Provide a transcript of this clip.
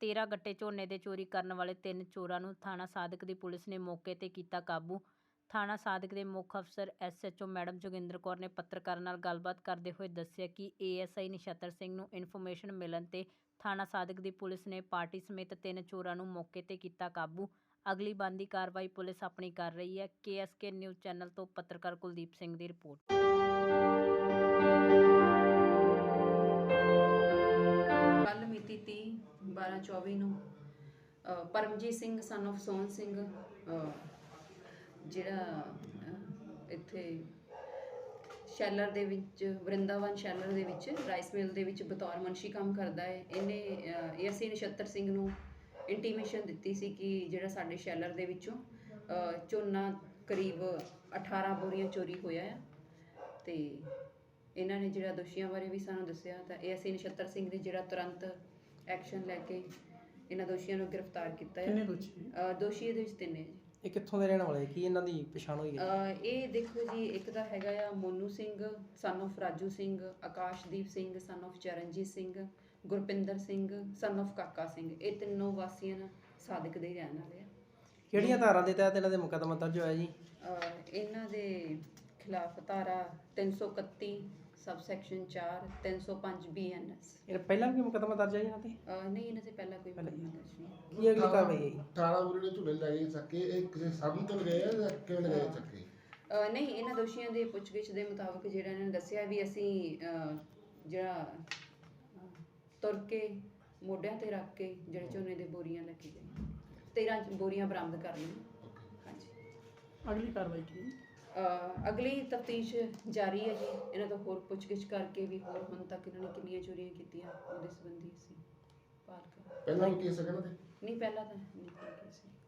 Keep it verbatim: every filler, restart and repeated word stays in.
तेरह गट्टे झोने दे चोरी करन वाले तीन चोरां नूं थाणा सादक दी पुलिस ने मौके ते कीता काबू। थाणा सादक दे मुख अफसर S H O madam Joginder Kaur ने पत्रकारां नाल गलबात करदे होए दस्सिआ कि ए एस आई नछत्तर सिंह नूं इन्फॉर्मेशन मिलण ते थाणा सादक दी पुलिस ने पार्टी समेत तीन चोरां नूं मौके ते कीता काबू। अगली बनदी कार्रवाई पुलिस अपनी कर रही है। के एस के न्यूज़ चैनल तो पत्रकार कुलदीप सिंह की रिपोर्ट। कल मिति तीह बारह चौबी नूं परमजीत सिंह सन ऑफ सोहन सिंह जिहड़ा इत्थे शैलर दे विच वृंदावन शैलर दे विच राइस मिल दे विच बतौर मुंशी काम करदा है। इहने ए एस आई नछत्तर सिंह नूं इंटीमेशन दित्ती सी कि जिहड़ा साडे शैलर दे विचों झोना करीब अठारह बोरियां चोरी होया है ते इन्हां ने जिहड़ा दोषियां बारे भी सानूं दस्सिआ तां ए एस आई नछत्तर सिंह ने जिहड़ा तुरंत एक्शन लैके इन्हां दोषियां नूं गिरफ्तार कीता है। किन्ने दोषी दोषी इहदे विच तिन्ने जी। ਇਹ ਕਿੱਥੋਂ ਦੇ ਰਹਿਣ ਵਾਲੇ ਕੀ ਇਹਨਾਂ ਦੀ ਪਛਾਣ ਹੋਈ ਹੈ? ਇਹ ਦੇਖੋ ਜੀ ਇੱਕ ਤਾਂ ਹੈਗਾ ਆ Monu Singh son of Raju Singh, Akashdeep Singh son of Charanjit Singh, Gurpinder Singh son of Kaka Singh. ਇਹ ਤਿੰਨੋਂ ਵਾਸੀਆਂ ਸਾਦਿਕ ਦੇ ਹੀ ਰਹਿਣ ਵਾਲੇ ਆ। ਕਿਹੜੀਆਂ ਧਾਰਾਂ ਦੇ ਤਹਿਤ ਇਹਨਾਂ ਦੇ ਮੁਕੱਦਮਾ ਦਰਜ ਹੋਇਆ ਜੀ? ਇਹਨਾਂ ਦੇ ਖਿਲਾਫ ਧਾਰਾ ਤਿੰਨ ਸੌ ਇਕੱਤੀ ਸਬ ਸੈਕਸ਼ਨ ਚਾਰ ਤਿੰਨ ਸੌ ਪੰਜ ਬੀ ਐਨ ਐਸ। ਇਹ ਪਹਿਲਾਂ ਵੀ ਮੁਕੱਦਮਾ ਦਰਜ ਹੈ ਇਹਨਾਂ ਤੇ? ਨਹੀਂ, ਇਹਨਾਂ ਤੇ ਪਹਿਲਾਂ ਕੋਈ ਮੁਕੱਦਮਾ ਦਰਜ ਨਹੀਂ। ਕੀ ਅਗਲੀ ਕਾਰਵਾਈ ਹੈ ਜੀ? ਅਠਾਰਾਂ ਬੋਰੀ ਦੇ ਝੂਲੇ ਲਗਾਏ ਚੱਕੇ ਇਹ ਕਿਸੇ ਸਾਬੀ ਤੋਂ ਲਗਾਏ ਜਾਂ ਕਿਵੇਂ ਲਗਾਏ ਚੱਕੇ? ਨਹੀਂ, ਇਹਨਾਂ ਦੋਸ਼ੀਆਂ ਦੇ ਪੁੱਛਗਿੱਛ ਦੇ ਮੁਤਾਬਕ ਜਿਹੜਾ ਇਹਨਾਂ ਨੇ ਦੱਸਿਆ ਵੀ ਅਸੀਂ ਜਿਹੜਾ ਤੁਰ ਕੇ ਮੋਢਿਆਂ ਤੇ ਰੱਖ ਕੇ ਜਿਹੜੇ ਝੋਨੇ ਦੇ ਬੋਰੀਆਂ ਲੈ ਕੇ ਗਏ ਤੇਰਾਂ ਬੋਰੀਆਂ ਬਰਾਮਦ ਕਰ ਲਈਆਂ। ਹਾਂਜੀ, ਅਗਲੀ ਕਾਰਵਾਈ ਕੀ? ਅਗਲੀ ਤਫਤੀਸ਼ ਜਾਰੀ ਹੈ ਜੀ। ਇਹਨਾਂ ਤੋਂ ਹੋਰ ਪੁੱਛਗਿੱਛ ਕਰਕੇ ਵੀ ਹੋਰ ਹੁਣ ਤੱਕ ਇਹਨਾਂ ਨੇ ਕਿੰਨੀਆਂ ਚੋਰੀਆਂ ਕੀਤੀਆਂ ਉਹਦੇ ਸੰਬੰਧੀ ਅਸੀਂ ਭਾਲ ਕਰ। ਪਹਿਲਾਂ ਵੀ ਕੇਸ ਹੈ ਇਹਨਾਂ ਦੇ? ਨਹੀਂ, ਪਹਿਲਾਂ ਤਾਂ ਨਹੀਂ ਕੋਈ ਕੇਸ ਨਹੀਂ।